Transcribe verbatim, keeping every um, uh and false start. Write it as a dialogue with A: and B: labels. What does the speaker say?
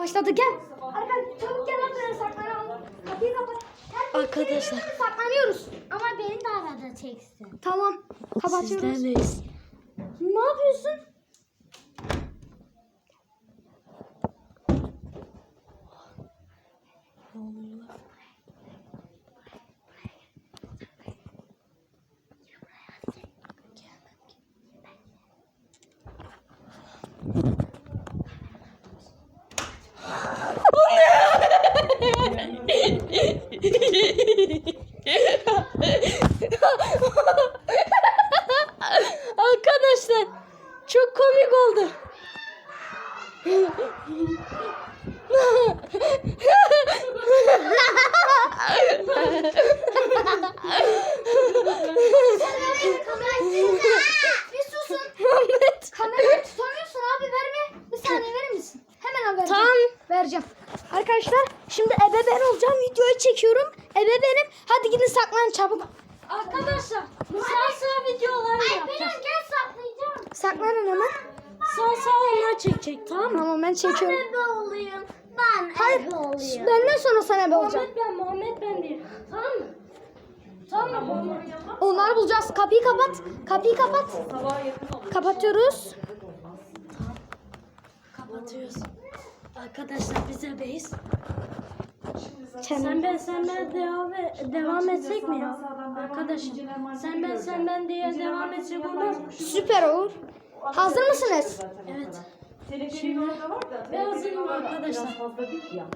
A: Başladı, gel. Arkadaşlar çabuk gel lan, böyle saklanalım. Kapıyı kapat.
B: Arkadaşlar.
A: Saklanıyoruz.
C: Ama beni de arada çeksin.
A: Tamam. Kapatıyoruz.
B: Sizlerleyiz.
A: Ne yapıyorsun?
B: Ne oluyor? Arkadaşlar çok komik oldu.
A: Bir susun.
B: Muhammed.
A: Kamerayı tutamıyorsun abi, verme. Bir saniye verir misin? Hemen al, vereceğim.
B: Tamam.
A: Vereceğim. Arkadaşlar şimdi ebe ben olacağım. Videoyu çekiyorum. Ebe benim. Hadi gidin saklanın çabuk.
B: Arkadaşlar sağ sağ videolar yapacağız.
C: Gel saklayacağım.
A: Saklanın hemen.
B: Sağ sağ onlar çekecek, tamam mı?
A: Tamam, ben çekiyorum.
C: Ebe olayım. Ben
A: Hayır.
C: ebe olayım.
A: Benden sonra sen ebe olacaksın.
B: Muhammed ben, Muhammed ben diye. Tamam mı? Tamam mı Muhammed?
A: Onları bulacağız. Kapıyı kapat. Kapıyı kapat. Kapatıyoruz.
B: Kapatıyoruz. Arkadaşlar bize beyiz.
A: Kendi.
B: Sen ben sen ben devam, devam etsek mi ya? Arkadaşım sen ben sen ben diye devam etsek olmaz mı?
A: Süper olur. Hazır mısınız?
B: Evet.
D: Teleferin orada var da.
B: Ben hazırım
D: teleferin orada
B: arkadaşlar.
D: Biraz fazla değil ya.